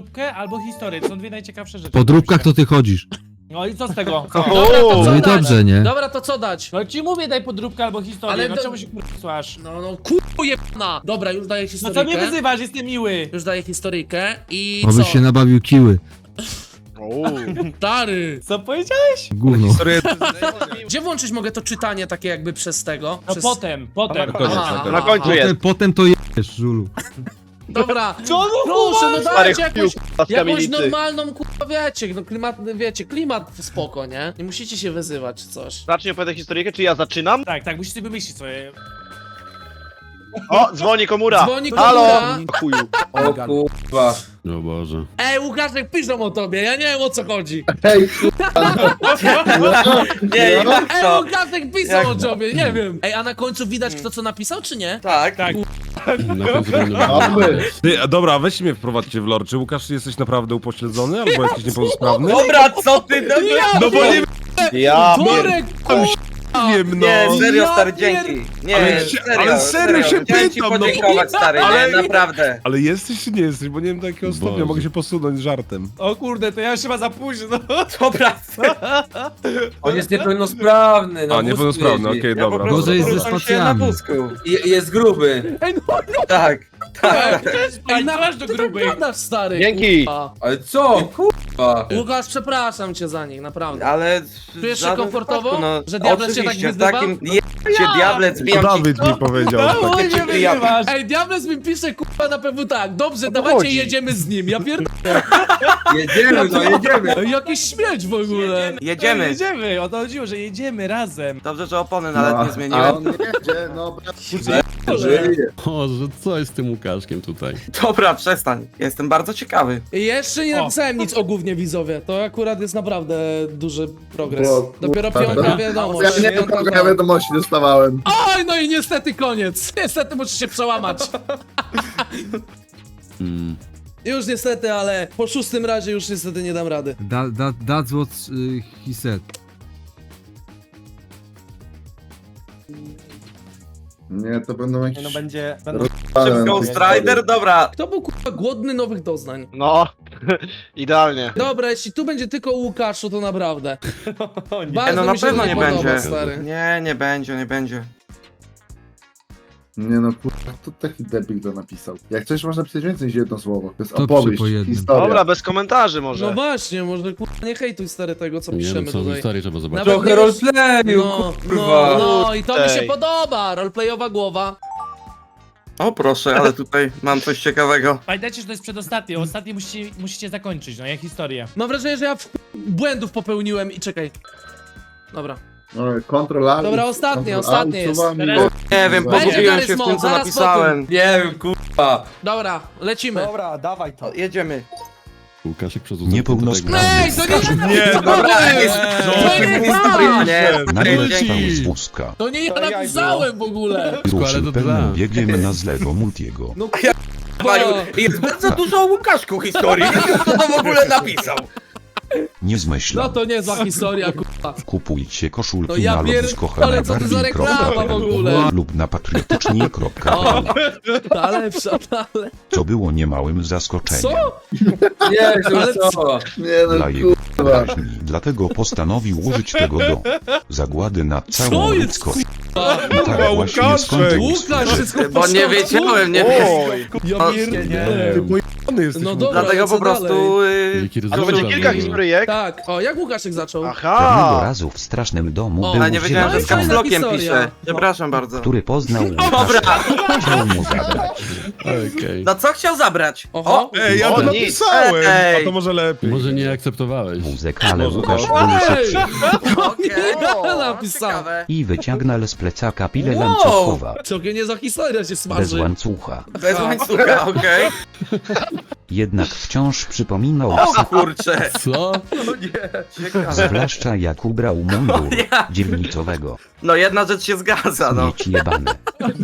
podróbkę albo historię, to są dwie najciekawsze rzeczy. Po dróbkach to ty chodzisz. No i co z tego? Dobra, to co No i dać? dobrze, nie? Dobra, to co dać? No ci mówię, daj podróbkę albo historię, Ale no to- czemu się słuchasz? No, kurwa jebana! Dobra, już daję No co mnie historyjkę. wyzywasz, jestem miły. Już daję historyjkę i Obyś co? się nabawił kiły. Stary! Co powiedziałeś? Gówno. Gdzie włączyć mogę to czytanie takie jakby przez tego? No Przez... potem. Aha, Na końcu aha. jest. Potem to jesz, żulu. Dobra, Co no proszę, no Stary dajcie chuju, jakąś, k***a, z jakąś kamienicy. normalną, kurwa, wiecie, no klimat spoko, nie? Nie musicie się wyzywać czy coś. Zacznie opowiadać historyjkę, czy ja zaczynam? Tak, musisz sobie wymyślić sobie. O, dzwoni komura. Dzwoni Halo! komura. Chuju. O kurwa. O Boże. Ej, Łukaszek, piszą o tobie, ja nie wiem o co chodzi. Hej, Nie, jak Ej, to? Łukaszek pisał o tobie, nie wiem. Ej, a na końcu widać kto co napisał, czy nie? Tak. Tak. Na końcu będę mamy. Ty, a dobra, weźcie mnie wprowadźcie w lore. Czy Łukasz jesteś naprawdę upośledzony albo jakiś niepełnosprawny? Dobra, co ty? No bo nie Ja Worek, wiem, no. Nie, serio, Ja stary, pier- dzięki. Nie, Ale serio się Chciałem ci pytam, no. podziękować, stary, Ale- nie, naprawdę. Ale jesteś czy nie jesteś? Bo nie wiem do jakiego stopnia Boże. mogę się posunąć żartem. O kurde, to ja już chyba za późno. Dobra. On jest niepełnosprawny, no. A, niepełnosprawny, okej, Ja po dobra. prostu Gorzej jest ze poruszam się spacjami. na wózku. Jest gruby. Ej, no, Tak. Ej, nalaż do ty tak grubych. gadasz, stary. Dzięki. kurwa. Ale co? Kurwa. Łukasz, przepraszam cię za nich, naprawdę. Ale... Czujesz się żadnym komfortowo? wypadku, no, Że diabeł cię tak oczywiście, w wyzywa? takim... Cię diable, zbijam ci... Dawid mi powiedział. No, Tak. mnie wyzywasz. Ej, Diables mi pisze, kurwa, na pewno tak. Dobrze, to dawajcie, chodzi. jedziemy z nim. Ja pierdolę. Jedziemy, no jedziemy. Ej, jakiś śmieć w ogóle. Jedziemy. Jedziemy, o to chodziło, że jedziemy razem. Dobrze, że opony nawet nie A zmieniłem. on jedzie, no żyje. Boże, co jest z tym Łukaszkiem tutaj? Dobra, przestań. Jestem bardzo ciekawy. Jeszcze nie O. napisałem nic o gównie widzowie. To akurat jest naprawdę duży progres. Bo- Dopiero kurwa. piątka wiadomość. Ja nie wiem, kogo ja wiadomości dostawałem. Oj, no i niestety koniec. Niestety muszę się przełamać. Już niestety, ale po szóstym razie już niestety nie dam rady. That's what he said. Nie, to będą jakieś... No będzie... Szybko, Ghost Rider, dobra. Kto był kurwa głodny nowych doznań? No, idealnie. Dobra, jeśli tu będzie tylko o Łukaszu, to naprawdę. Nie, Bardzo no na mi się pewno to nie podoba, będzie. stary. Nie będzie, nie będzie. Nie no, kurwa, to taki debil to napisał. Jak coś można pisać więcej niż jedno słowo. To jest To opowieść, przy po jednym. historia. Dobra, bez komentarzy No może. właśnie, może kurwa nie hejtuj stary tego, co Nie piszemy wiem, co w tutaj. historii trzeba zobaczyć. Nawet Trochę nie wiesz- roleplayu, No, kurwa. no i to mi się Ej. podoba, roleplayowa głowa. O proszę, ale tutaj mam coś ciekawego. Pamiętajcie, że to jest przedostatnie, ostatni musicie zakończyć, no jak historię. Mam wrażenie, że ja błędów popełniłem i czekaj. Dobra. No, Control Alt. Dobra, ostatnie, Control ostatnie Alt, jest. suwam i- Teraz- Nie wiem, Będzie pogubiłem Garry's się w Mod, tym, co zaraz napisałem. Nie wiem, kurwa. Dobra, lecimy. Dobra, dawaj to. O, jedziemy. Łukaszek przerzucony. Niepełnosprawny. Ej, to nie ja Nie, dobra, To nie ja! Nie, Nagle dzięki. wstał z wózka. To nie ja To jaj napisałem w ogóle. Ruszył to pełnym dla. biegiem na zlewo Multiego. Maju, jest bardzo dużo o Łukaszku historii. Nie wiem, kto to w ogóle napisał. Nie No zmyślał. to niezła historia, kurwa. Kupujcie To koszulki ja na ale co to za reklama w ogóle? lub na patriotycznie.pl. O, ta lepsza, ta lepsza. Co było niemałym zaskoczeniem Co? Nie, Ale co? Nie dla no, jego kurwa. wyobraźni. Dlatego postanowił użyć tego do zagłady na Co całą jest, ludzkość. kurwa? I tak właśnie Łukaszek! skończył Łukasz, swój wszystko w Bo nie porządku? wiedziałem, nie Oj, Ja pierdolę. Ty jesteś. No dobra. Dlatego lecę po prostu... Jaki a to będzie rezultat. kilka historyjek? Tak, o, jak Łukaszek zaczął? Pewnego Aha! razu w strasznym domu O, był Ale nie wiedziałem, że z Fajna zielony, kapslokiem historia. pisze. Przepraszam bardzo. który poznał Dobra, Łukasza. Chciał mu zabrać. Okej. no co chciał zabrać? Oho. Ej, ja O, to nic. napisałem! Ej. A to może lepiej. Może nie akceptowałeś. Muzykę, ale Może Łukasz to- był Ej! szybszy Okej, Ja o, napisałem. ciekawe. i wyciągnął z plecaka pilę Wow. łańcuchowa. Całkiem niezła historia się Bez smaży. łańcucha. Bez łańcucha, okej. Jednak wciąż przypominał O kurcze. Co? Ciekawe. zwłaszcza jak ubrał mundur dzielnicowego. No jedna rzecz się zgadza, no. Mieć jebane.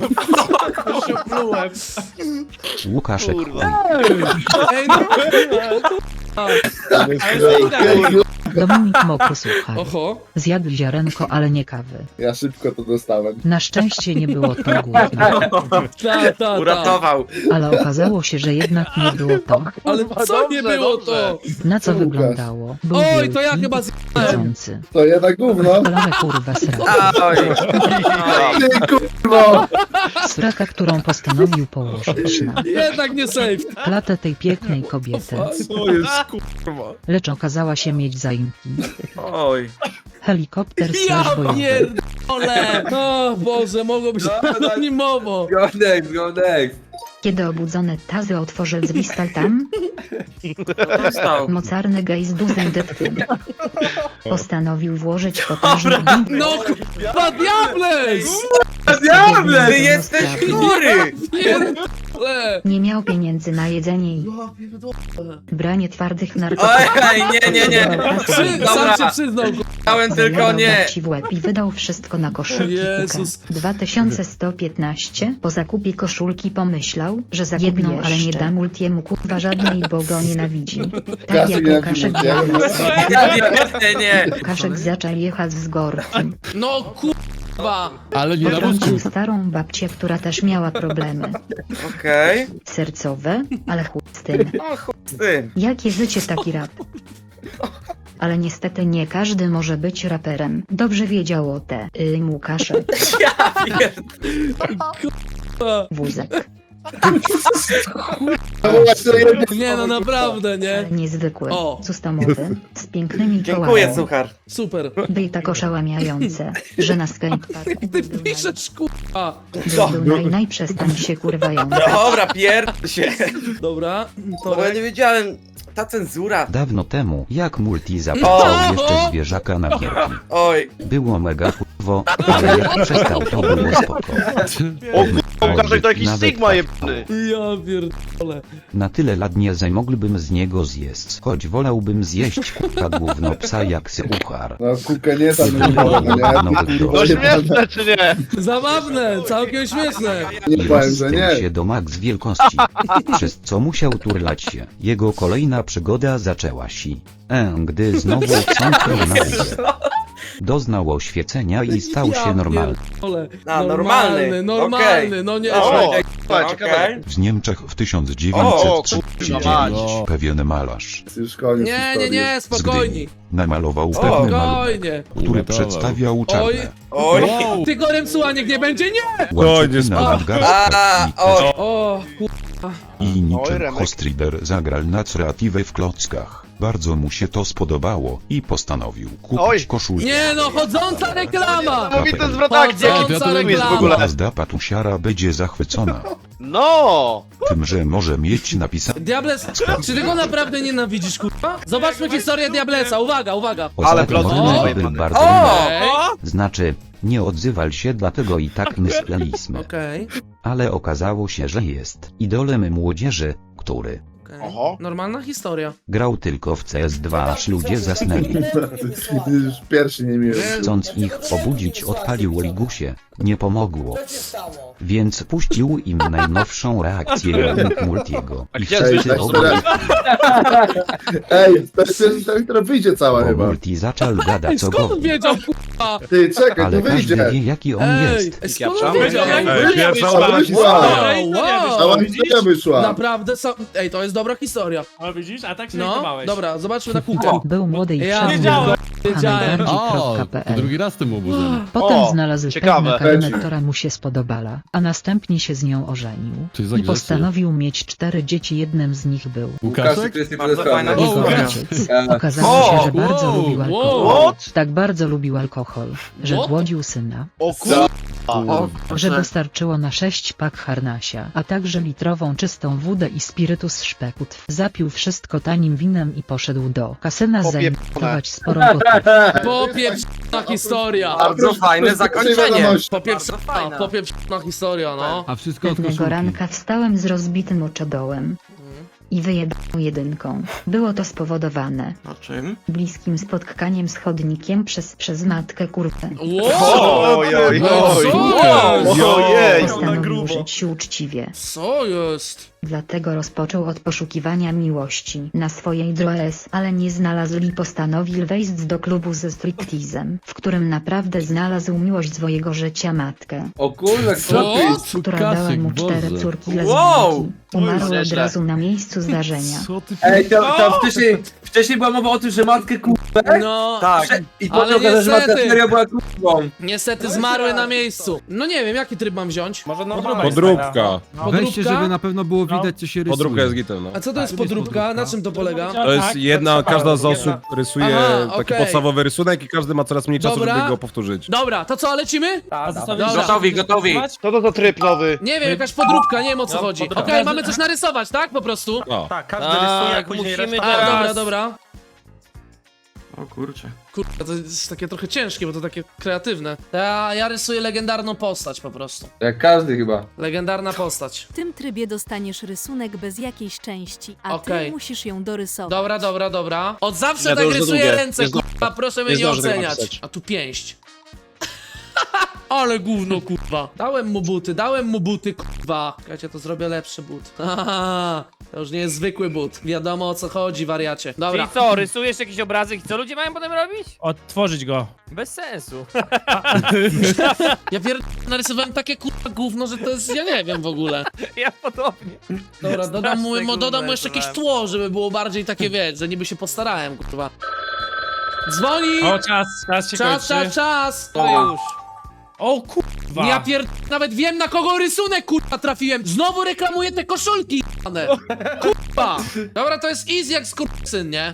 Plułem. Łukaszek chuj. Ej, no. Ale Dominik Mokry, słuchaj. Oho. Zjadł ziarenko, ale nie kawy. Ja szybko to dostałem. Na szczęście nie było to głodne, Ta. Uratował. ale okazało się, że jednak nie było to. Ale co nie było to? Na co Łukasz. wyglądało? Był Oj, to ja wielki, chyba zjadłem. jedzący. To jednak gówno. Ale kurwa sraka. Oj. Ty kurwo! Sraka, którą postanowił położyć na Jednak nie safe. klatę tej pięknej kobiety. Co jest kurwa? Lecz okazała się mieć zaimki. Oj. Helikopter Ja slash bojowy. pierdolę. O Boże, mogło być anonimowo. Go next. Kiedy obudzone tazy otworzy drzwi tam, Dostał. mocarny gej z dużym dytkiem postanowił włożyć potężny gwint No kurwa, Diables! Diable! Ty jesteś chory! Pierdolę. Nie miał pieniędzy na jedzenie i branie twardych narkotyków. Oj, nie. Sam Dobra. się przyznał. Dałem tylko Zajadał nie. babci w łeb i wydał wszystko na koszulki Jezus. Kuka. 2115 po zakupie koszulki pomyślał, że jedną, ale nie da multiemu kurwa żadnej, bo go nienawidzi. Tak Kasy jak nie Łukaszek Nie. Łukaszek zaczął jechać z gorki. No kurwa. Ale nie na Potrącił wózku. starą babcię, która też miała problemy Okej. sercowe, ale chuj z tym. O chuj z tym. Jakie życie, taki rap. Ale niestety nie każdy może być raperem. Dobrze wiedział o te Łukaszek, Ja pierd... wózek. Nie no, naprawdę, nie? Niezwykły, O. customowy, z pięknymi Dziękuję, kołami. suchar. Super. Był tak oszałamiające, że na skateparku Ty piszesz kurwa. był najprzestań się kurwający. Dobra, pierd się. Dobra, Bo ja Torek. nie wiedziałem. Ta cenzura. Dawno temu, jak Multi zapisał jeszcze zwierzaka na gierki. Oj. Było mega kurwo, ale jak przestał to było spoko. Łukaszek to jakiś Nawet Sigma tak. jebany. Ja pierdolę. Na tyle lat nie zamoglibym z niego zjeść, choć wolałbym zjeść kurwa gówno psa jak syuchar. No kuka nie tam nie było, no nie? No śmieszne czy nie? Zabawne, całkiem śmieszne. Nie I powiem, że rozstał nie. się do max wielkości, przez co musiał turlać się. Jego kolejna przygoda zaczęła się, gdy znowu wsąknął na górę. Doznał oświecenia i stał się normalny. Pierdolę. A, normalny. Normalny, Okej. no nie. O, Okej. ciekawe. W Niemczech w O, 1939 kurwa, pewien malarz Już koniec Nie, historii. nie, spokojnie. namalował pewny malunek, Spokojnie. który przedstawiał Oj. czarne, Oj. Ty gorem słucha, niech nie będzie, nie! łańcuchy na A, nadgarstkach oj. O, i Oj, niczym Remek. Hostrider zagrał na creatywę w klockach. Bardzo mu się to spodobało i postanowił Oj. kupić koszulkę. nie no, chodząca reklama! Niesamowity zwrot akcji, jaki Chodząca to jest w reklama. ogóle. Gazda patusiara będzie zachwycona No! tym, że może mieć napisane Diables, czy ty go naprawdę nienawidzisz, kurwa? Zobaczmy historię Diablesa, uwaga, uwaga. Ale poza tym plot on twist. był bardzo O! Ej, znaczy, nie odzywał się, dlatego i tak myśleliśmy. okej, Ale okazało się, że jest idolem młodzieży, który okej. Oho. Normalna historia. grał tylko w CS2, aż ludzie zasnęli. Już pierwszy nie miły. Chcąc ich obudzić, odpalił Ligusie. Nie pomogło. Więc puścił im najnowszą reakcję Multiego. I gdzie wszyscy jest obudzi, Ej, to jest pierwsza, która wyjdzie cała bo chyba. Multi zaczął gadać Ej, co skąd on głowie. wiedział, kurwa? Ty, czekaj, Ale to każdy wyjdzie. wie, jaki on Ej, jest. skąd on wiedział? Ej, pierwsza Cała ona wyszła. Wow, Cała wow. historia wyszła. Naprawdę, ej, to jest dobra historia. No widzisz, a tak się No, chowałeś. dobra, zobaczmy na kółka. Był młody i Ja wszedł wiedziałem. Wiedziałem. najbardziej.pl. raz tym obudzony. Potem O, znalazł ciekawe. pewną kobietę, która mu się spodobała, a następnie się z nią ożenił. I postanowił mieć 4 dzieci, jednym z nich był Łukaszek? Bardzo fajna jego historia. ojciec. Okazało się, że bardzo lubił alkohol. What? Tak bardzo lubił alkohol, że What? głodził syna, O kurwa. że dostarczyło na 6 pak harnasia, a także litrową czystą wódę i spirytus szpekut. Zapił wszystko tanim winem i poszedł do kasyna Popieprzone. zainwestować sporą gotówkę. Popieprzona historia. Bardzo fajne zakończenie. Popieprzona historia, no. A wszystko od Pewnego koszulki. ranka wstałem z rozbitym oczodołem. i wyjebał jedynką. Było to spowodowane Na czym? bliskim spotkaniem z chodnikiem przez matkę kurwę. Wow! Oj, oj, oj. Co? Ojej. Postanowił żyć się uczciwie. Co jest? Dlatego rozpoczął od poszukiwania miłości na swojej drodze, ale nie znalazł i postanowił wejść do klubu ze striptizem, w którym naprawdę znalazł miłość swojego życia matkę, O kurwa, Co? która dała mu 4 córki Wow! lesbijki. Umarła od nieźle. razu na miejscu zdarzenia. Co ty Ej, to wcześniej była mowa o tym, że matkę kurwę? No, Tak. I ale potem okazało, że matka niestety. serio była kurwą. niestety zmarły na miejscu. No nie wiem, jaki tryb mam wziąć? Może Podróbka. Weźcie, żeby na pewno było widać, co się rysuje. Podróbka jest gitem, no. A co to jest podróbka? Na czym to polega? To jest jedna, każda z osób rysuje Aha, taki okej. podstawowy rysunek i każdy ma coraz mniej czasu, Dobra. żeby go powtórzyć. Dobra, to co, lecimy? Dobra. Gotowi. Co to za tryb nowy? Nie wiem, jakaś podróbka, nie wiem o co chodzi. podróbka. Okej, mamy coś narysować, tak? Po prostu. No. Tak, każdy Tak, rysuje, później musimy reszta. dobra. O kurczę. Kurde, to jest takie trochę ciężkie, bo to takie kreatywne. Ja rysuję legendarną postać po prostu. Jak każdy chyba. Legendarna postać. W tym trybie dostaniesz rysunek bez jakiejś części, a Okej. ty musisz ją dorysować. Dobra. Od zawsze Nie, to tak już za rysuję długie. ręce, Nie kurwa, proszę mnie nie nie zdążę tego oceniać. napisać. A tu pięść. Ale gówno, kurwa. Dałem mu buty, kurwa. Czekajcie, to zrobię lepszy but. Haha, to już nie jest zwykły but. Wiadomo o co chodzi, wariacie. Dobra. Czyli co, rysujesz jakiś obrazek i co ludzie mają potem robić? Odtworzyć go. Bez sensu. Ja narysowałem takie kurwa gówno, że to jest, ja nie wiem w ogóle. Ja podobnie. Dobra, dodam mu gówno jeszcze jakieś rysowałem. tło, żeby było bardziej takie, wiesz, że niby się postarałem, kurwa. Dzwoni! O, czas się kończy. Czas! To już. O kurwa. Ja nawet wiem na kogo rysunek, kurwa, trafiłem. Znowu reklamuję te koszulki, jane. Kurwa. Dobra, to jest easy jak skurczyn, nie?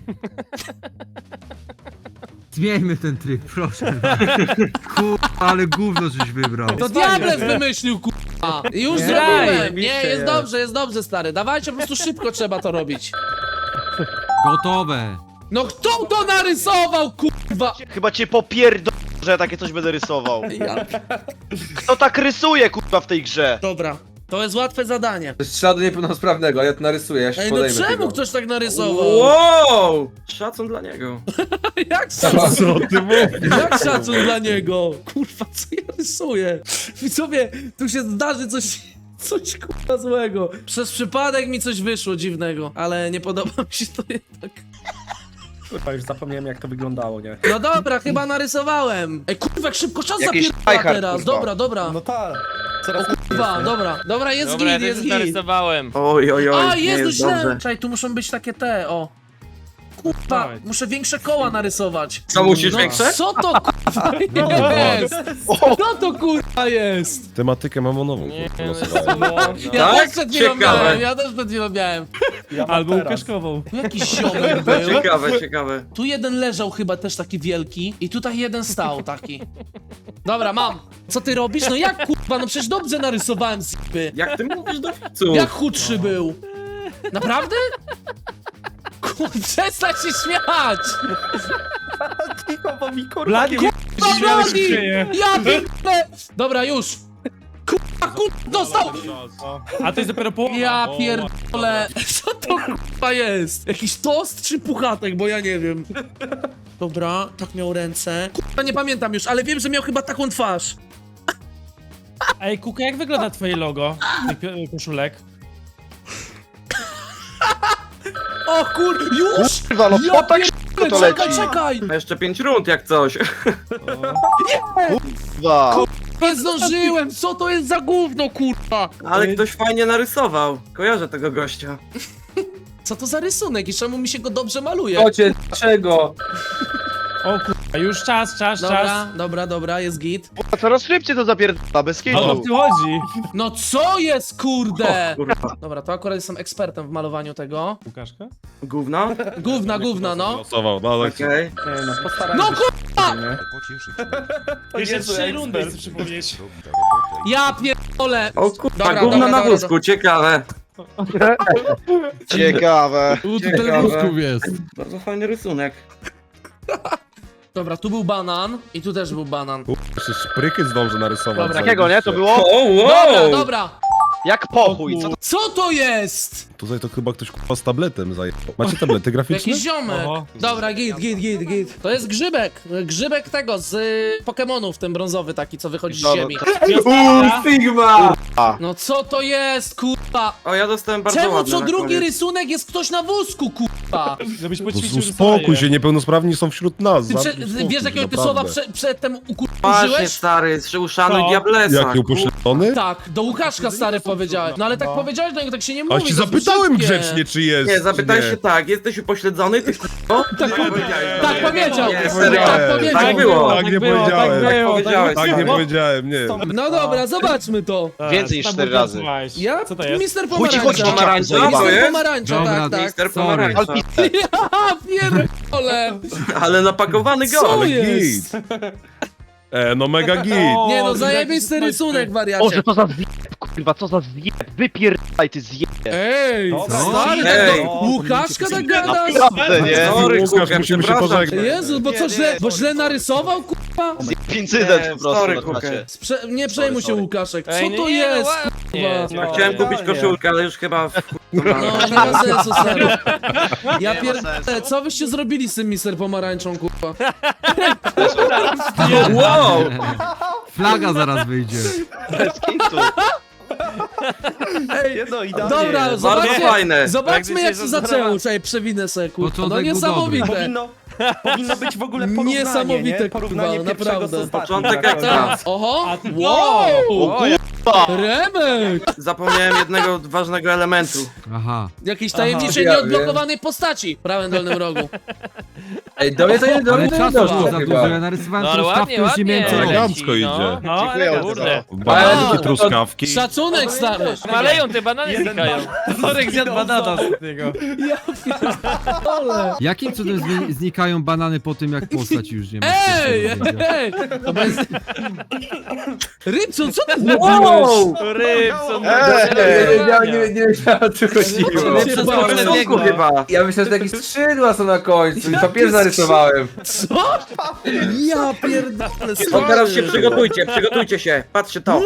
Zmieńmy ten tryb, proszę. Kurwa, ale gówno żeś wybrał. To Diables wymyślił, kurwa. Już zrobiłem. Nie, jest dobrze, stary. Dawajcie, po prostu szybko trzeba to robić. Gotowe. No kto to narysował, kurwa? Chyba cię popierdolę, że ja takie coś będę rysował. Kto tak rysuje, kurwa, w tej grze? Dobra, to jest łatwe zadanie. To jest śladu niepełnosprawnego, ja to narysuję, ja się Ej, no podejmę czemu tego. ktoś tak narysował? Wow! Szacun dla niego. Jak szacun? Jak szacun dla niego? Kurwa, co ja rysuję? Widzowie, tu się zdarzy coś kurwa złego. Przez przypadek mi coś wyszło dziwnego, ale nie podoba mi się to jednak. Kurwa, już zapomniałem jak to wyglądało, nie? No dobra, chyba narysowałem. Ej, kurwa, jak szybko czas Jakiś zapierdala tryhard, teraz. kurwa. Dobra. tak. Kurwa, dobra, jest Dobra, ja git, też jest już git. narysowałem. Oj, A, nie jest jest źle. dobrze. Czekaj, tu muszą być takie te, o. Kurwa, Dawaj. muszę większe koła narysować. Co, musisz No większe? co to kurwa jest? Co to kurwa jest? Tematykę mamonową. Nie, kurwa, no, losowałem. Ja Tak? też przed chwilą Ciekawe. miałem, ja też przed chwilą miałem. Albo Łukaszkową. Tu jakiś ziomek był. Ciekawe. Tu jeden leżał chyba też taki wielki i tutaj jeden stał taki. Dobra, mam. Co ty robisz? No jak kurwa, no przecież dobrze narysowałem zipy. Jak ty mówisz do widzów? Jak chudszy był? Naprawdę? Kurwa, przestań się śmiać! Blady, Kurwa, Bladi! Ja pierdolę! Dobra, już. Kurwa, dostał! A to jest dopiero połowa. Ja O, pierdolę. Co to kurwa jest? Jakiś tost czy puchatek, bo ja nie wiem. Dobra, tak miał ręce. Kurwa, nie pamiętam już, ale wiem, że miał chyba taką twarz. Ej, Kuka, jak wygląda twoje logo? Tych koszulek? O kur... Już! Kurwa, no po tak szybko to leci. Czekaj! A jeszcze 5 rund jak coś. Kurwa. Nie zdążyłem! Co to jest za gówno, kurwa? Ale ktoś fajnie narysował. Kojarzę tego gościa. Co to za rysunek i czemu mi się go dobrze maluje? Kocie, dlaczego? O kurwa, już czas. Dobra, jest git. Kurwa, coraz szybciej to zapierdala, bez O kitu. co tu chodzi? No co jest, kurde? Kurwa. Dobra, to akurat jestem ekspertem w malowaniu tego. Łukaszka? Gówno? Gówna, no. Losował, no tak. Okej. No kurwa! Jeszcze 3 rundy chcę przypomnieć. Ja pierdolę! O kurwa, Dobra, gówno dobra, na dobra, wózku, ciekawe. Ciekawe. Tu Ciekawe. telewizków jest. Bardzo fajny rysunek. Dobra, tu był banan i tu też był banan. Jeszcze szpryky zdąży narysować. Dobra. Takiego, nie? To było? O, wow! Dobra. Jak pochuj, co to? Co to jest? Tutaj to chyba ktoś z tabletem zajebał. Macie tablety graficzne? Jakiś ziomek. Oho. Dobra, git. To jest grzybek. Grzybek tego z Pokemonów, ten brązowy taki, co wychodzi z Dobra, ziemi. Sigma! No co to jest, kurwa? O, ja dostałem bardzo Czemu ładne co na drugi koniec. rysunek jest ktoś na wózku, kurwa? Żebyś No, poćwiczył uspokój się, niepełnosprawni są wśród nas. Ty zamknij spokój, wiesz, jakiego ty naprawdę. słowa przedtem Właśnie, użyłeś? stary, uszanuj Co? diablesa. Jaki upośledzony? Tak, do Łukaszka stary powiedziałeś. No ale tak powiedziałeś, no tak się nie mówi. A ci to jest zapytałem brzydkie. grzecznie, czy jest. Nie, zapytaj czy się tak, jesteś upośledzony, ty k***o? Tak powiedział. Nie, Tak serio. powiedział. Tak było. Tak nie powiedziałem. powiedziałeś. Tak nie powiedziałem, nie. No dobra, zobaczmy to. Więcej niż 4 razy. Ja? Co to jest? Mister Chuj ci chodzi, Pomarańcza. dzieciaku, Co Mister jest? Pomarańcza, Dobra, tak, tak. Mister Sorry. Pomarańcza. Ja pierdolę. Ale napakowany Co gol. jest? No mega git. Nie no, zajebisty rysunek, wariacie. Boże, co za zjeb, kurwa, co za zjeb, wypierdaj ty zjeb. Ej, Dobra. stary, Ej. tak do Łukaszka tak gadasz? Naprawdę, nie? Sorry, Łukasz, Kuka, musimy się przepraszam pożegnać. cię. Jezu, bo co źle, bo źle narysował, kurwa? Incydent Nie, po prostu sorry, na Kukę. czacie. Nie przejmuj się, Łukaszek. Ej, Co to nie, jest, nie, kurwa? Chciałem kupić koszulkę, ale już chyba... No, nie ma sensu, stary. Ja Nie ma pierdolę, sensu. co wyście zrobili z tym Mister Pomarańczą, kurwa? Wow! Flaga zaraz wyjdzie. Bez kitu. Dobra, Bardzo zobaczcie, fajne. zobaczmy jak się Tak, zaczęło. Czekaj, przewinę se, kurwa. No Początek był niesamowite. Powinno być w ogóle porównanie, Niesamowite, nie? Porównanie kurwa, pierwszego naprawdę. z ostatnim. Początek ekstra. Oho, A- wow, O, Remek! Zapomniałem jednego ważnego elementu. Aha. Jakiejś tajemniczej, nieodblokowanej postaci w prawym dolnym rogu. Ej, do mnie to nie Ale czasu było za dużo, ja narysowałem No ale truskawkę, ładnie, już nie miałem co ładnie. robić. Elegancko idzie. No, Dziękuję ale bardzo. kurde. Bananki, truskawki. Szacunek, stary. Maleją, te banany znikają. Torek zjadł banana z tego. Ale. Jakim cudem znikają banany po tym, jak postać już nie ma? Ej, ej! To bez... Rybson, co ty zrobiłeś? Wow! Rybson, Ej! Nie wiedziałem, o co chodziło. Cię To bałem. jest rysunku chyba. Ja myślałem, że jakieś skrzydła są na końcu i papier zarysowałem. Co? Ja pierdolę, O, teraz się stary. przygotujcie się. Patrzcie to.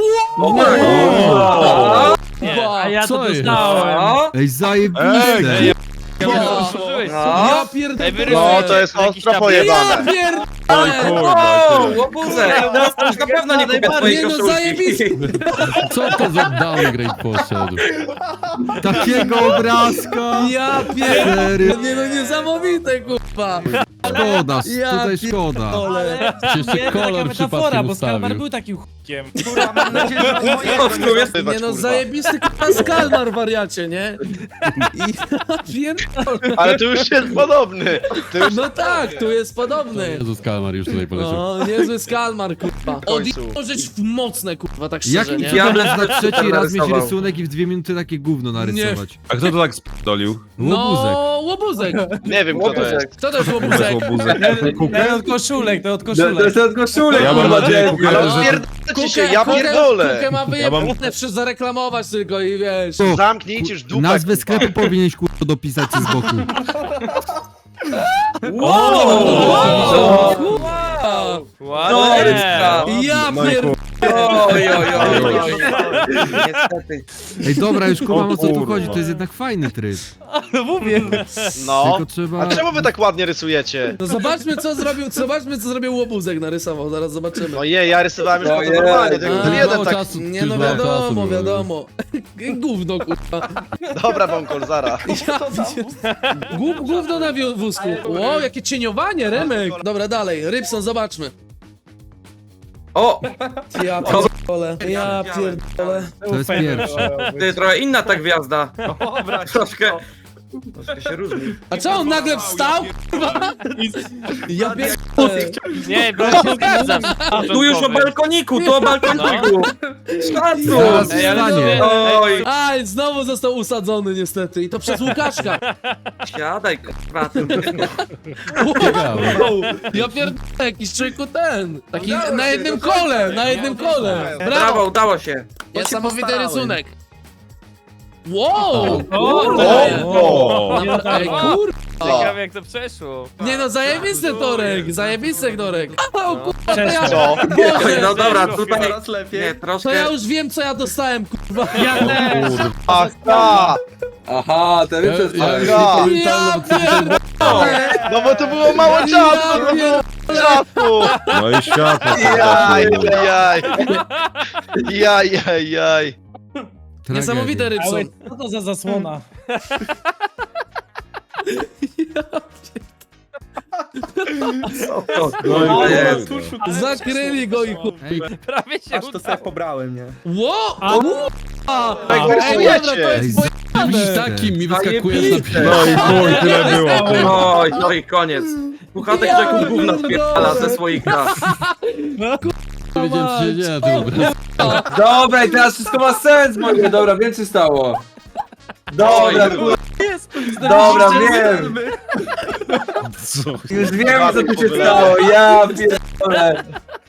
A ja to Co jest? dostałem. O, Ej, zajebiste! Ej, Ja pierdolę. Ej, No, wyrysujesz to jest jakiś ostro tablet. Ja pojebane. pierdolę. wow, łobuzek. Teraz to już na pewno nie kupię twojej Nie no, koszulki. zajebisty. Co to za downgrade poszedł? Takiego obrazka! Ja pierdolę. Nie no, niesamowite, kurwa. Szkoda, Ja tutaj szkoda. pierdolę. Jeszcze kolor metafora, bo Skalmar był takim chukiem. Kurwa, mam nadzieję, że to moje... O, tu jest... Nie no, zajebisty kurwa skalmar, wariacie, nie? I ja pierdolę. Ale tu już jest podobny. Tu już No tak, tu jest podobny. Jezus Kalmar już tutaj No, niezły skalmar, kurwa. Odjechał rzecz w mocne, kurwa, tak szczerze, Jakim nie? cudem na trzeci raz mieć narysował. rysunek i w 2 minuty takie gówno narysować? A kto to tak spierdolił? Łobuzek. No, łobuzek. nie wiem kto to jest. Kto to jest To łobuzek? jest łobuzek. To od koszulek, to od To koszulek. jest od koszulek, Ja mam kurwa, nadzieję, debil. Kuka, Ale że... pierdolcie się, ja pierdolę. Kukę ma Ja wyjebane, mam- przez zareklamować tylko i wiesz. To, Zamknijcie już dupę. nazwę kurwa. sklepu powinieneś kurwa dopisać z boku. Ładnie. Ja No i pierdolę. Oj, oj, oj, oj. Niestety. Ej, dobra, już kumam o co tu kurwa. chodzi, to jest jednak fajny tryb. No mówię. No. Tylko trzeba... A czemu wy tak ładnie rysujecie? No zobaczmy co zrobił łobuzek, narysował, zaraz zobaczymy. No je, ja rysowałem już Ojej. normalnie, tylko A, ten jeden mało tak... czasu. Nie no Już mało czasu wiadomo, było. wiadomo. Gówno, kurwa. Dobra, wąkol, zara. Gówno na wózku. Wow, jakie cieniowanie, Remek. Dobra, dalej, Rybson, zobaczmy. O, Ja pierdolę, ja pierdolę. To jest pierwsze. ty trochę inna ta gwiazda. Troszkę się różni. A co, on nagle wstał? Kurwa? Ja pierdolę. Nie, bo się zgadzam. Tu już o balkoniku, tu o balkoniku. Zaraz Szacun. Ej, ale wstanie. to- Oj, Aj, znowu został usadzony niestety i to przez Łukaszka. siadaj, kurwa. Wow, ja pierdolę, jakiś człowieku ten. Taki na jednym kole, na jednym kole. Brawo, Brawo, udało się. niesamowity rysunek. Wow, O, kurde. o. Ej, kurde. Ciekawe jak to przeszło. Nie no, zajebisty Torek, zajebisty Torek. O kurwa, to ja... Co? Boże, No dobra, tutaj... Nie, to troszkę... ja już wiem co ja dostałem, kurwa. Ach, tak! Aha, ten jest Aha. Ja pierdolę. No bo to było mało czasu! To było czasu! No i światło. Jaj, jaj. Jaj, jaj, jaj. Niesamowite, Ale Rybson. co to za zasłona? No i Jezu. Zakryli go i kurwa. Prawie się udało. pobrałem, nie? Ło! Jak Ej, rysujecie? dobra, to jest pojebane. Takim mi Zajebiste. No i chuj, tyle było. Ty. Oj, no i koniec. Puchatek rzekł gówna spierdala ze swoich lat. Dobra, i teraz wszystko ma sens, moje. Dobra, wiem co stało. Dobra, dobra, wiem. Co? Już wiem co tu się stało, ja pierdolę.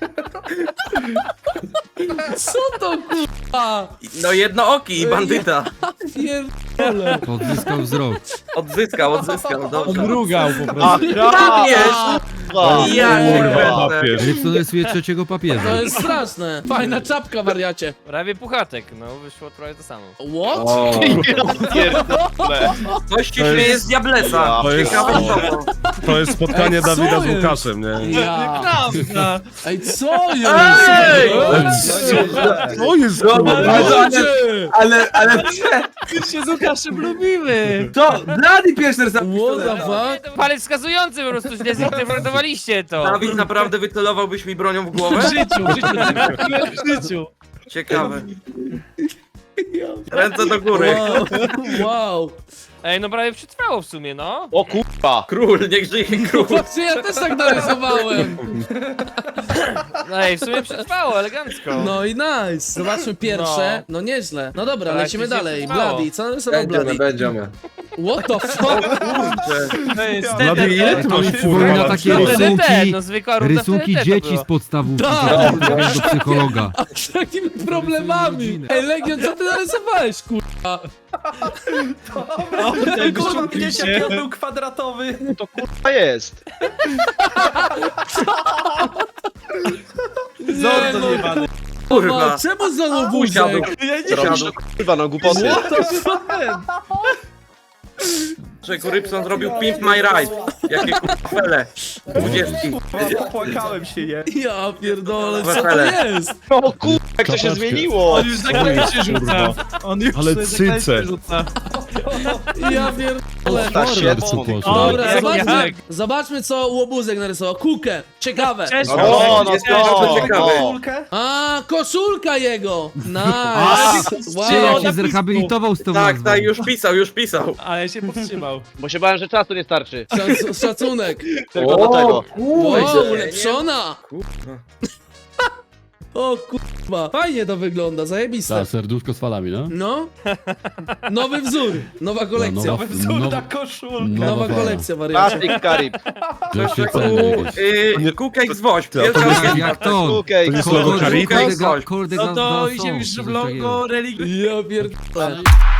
Co to kurwa? No jednooki i bandyta. Pierdolę. Odzyskał wzrok. Odzyskał, dobrze. Odmrugał po prostu. Ach, Papież! Ja Kurwa, nie papież. Rybson rysuje trzeciego papieża. To jest straszne. Fajna czapka, wariacie. Prawie puchatek, no wyszło prawie to samo. What? O, pierdolę. Coś ci śmieje z Diablesa. To jest- Ciekawe co. To jest spotkanie Ej, co Dawida z jest? Łukaszem, nie? Ja. Prawda. Ej, co jest? Ej! Co jest Dobra, kurwa? ale się z Łukaszem lubimy. to Blady pierwszy raz What the fuck? To palec wskazujący po prostu, źle zinterpretowaliście to. Dawid, naprawdę wycelowałbyś mi bronią w głowę? W życiu. Ciekawe. Ręce do góry. Wow. Ej, no prawie przetrwało w sumie, no. O kurwa. Król, niech żyje król. Patrzcie, ja też tak narysowałem. No ej, w sumie przetrwało, elegancko. No i nice. Zobaczmy pierwsze. No nieźle. No dobra, Ale lecimy jak to się dalej. trwało? Bloody, co narysował będziemy, Bloody? będziemy. What the fuck? To jest Blady, ile ty To masz mi kurwa przypomina lat? takie TDT, rysunki, no zwykła runda rysunki TDT to dzieci było. z podstawówki, Tak. które do psychologa. A z takimi problemami. Ej, Legion, co ty narysowałeś, kurwa? Kurwa, widzicie? To kurwa jest. Nie, no, Kurwa. czemu znowu Usiadł. wózek? Siadł. Kurwa, no głupoty. Czego Rybson zrobił Pimp My Ride. Jakie kurwa 20. Płakałem się, je. Ja pierdolę, co to Wesele. jest? No kurwa, jak to się zmieniło. On już zaklejcie rzuca. On już Ale sobie zaklejcie cyce. rzuca. Ja pierdolę. Ta siedzą. Dobra, Jak? zobaczmy co Łobuzek narysował. Kukę, ciekawe. Cześć. No, no, to ciekawe. A, koszulka jego. Nice. Czy Wow. jak się zrehabilitował z tą Tak, nazwą? tak, już pisał. Ale się powstrzymał. Bo się bałem, że czasu nie starczy. Szacunek. Tylko do tego. Wow, ulepszona. O kurwa, fajnie to wygląda, zajebiste. serduszko z falami, no? No. Nowy wzór, nowa kolekcja. Nowy wzór na koszulkę. Nowa kolekcja, wariacie. Plastik Karib. Kukek z Woźb. To Pierwsza Jak to? Okej. To nie słowo Karib? Kurde, No to idzie już w logo religii. Ja pierdolę.